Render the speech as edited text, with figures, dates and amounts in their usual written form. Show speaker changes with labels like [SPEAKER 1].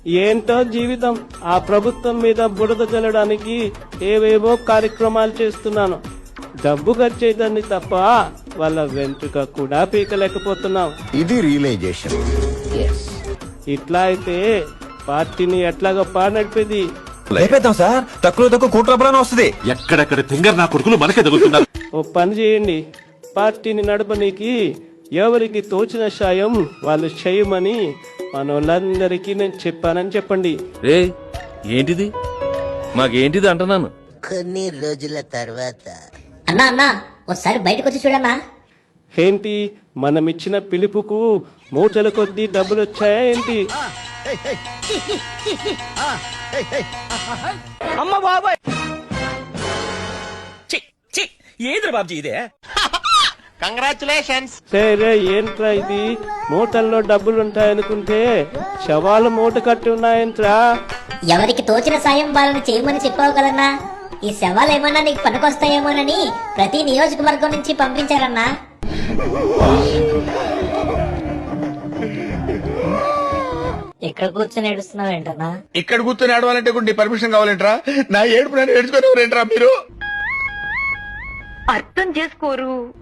[SPEAKER 1] ఏంటో జీవితం. ఆ ప్రభుత్వం మీద బురద జల్లడానికి ఏవేవో కార్యక్రమాలు చేస్తున్నాను. డబ్బు ఖర్చేదాన్ని తప్ప వాళ్ళ వెంట్రుక కూడా పీకలేకపోతున్నాం.
[SPEAKER 2] ఇది రియలైజేషన్.
[SPEAKER 1] ఇట్లా అయితే పార్టీని ఎట్లాగో నడిపేది.
[SPEAKER 3] లేపేద్దాం సార్, తక్కువ కూట్రబ్బులని వస్తుంది.
[SPEAKER 4] ఎక్కడెక్కడ తింగర్ నా కొడుకులు మనకే తగులుతున్నారు.
[SPEAKER 1] ఓ పని చేయండి, పార్టీని నడపనీకి ఎవరికి తోచిన సాయం వాళ్ళు చేయమని మనోళ్ళందరికీ నేను చెప్పానని చెప్పండి.
[SPEAKER 3] రే ఏంటిది, మాకేంటిది అంటున్నాను.
[SPEAKER 5] కొన్ని రోజుల తర్వాత
[SPEAKER 6] అన్నా అన్నా ఒకసారి బయటకు వచ్చి చూడన్నా.
[SPEAKER 1] ఏంటి, మనమిచ్చిన పిలుపుకు మూటల కొద్దీ డబ్బులు వచ్చాయా ఏంటి?
[SPEAKER 7] అమ్మ బాబాయ్, ఏది బాబుజీ ఇదే?
[SPEAKER 5] కంగ్రాచులేషన్స్.
[SPEAKER 1] సరే ఏంట్రా ఇది, మూటల్లో డబ్బులుంటాయనుకుంటే శవాలు మూట కట్టి ఉన్నాయంట్రా.
[SPEAKER 6] ఎవరికి తోచిన సాయం వాళ్ళని చేయమని చెప్పావు కదన్నా. ఈ శవాలు ఏమన్నా నీకు పనికొస్తాయేమోనని ప్రతి నియోజకవర్గం నుంచి పంపించారన్నా. ఎక్కడ కూర్చొని ఏడుస్తున్నావు ఏంటన్నా?
[SPEAKER 8] ఇక్కడ కూర్చొని ఆడవాలంటే నీ పర్మిషన్ కావాలంటరా? నా ఏడుపు నేను ఏడ్చుకునేవారేంట్రా మీరు?
[SPEAKER 9] అర్థం చేసుకోరు.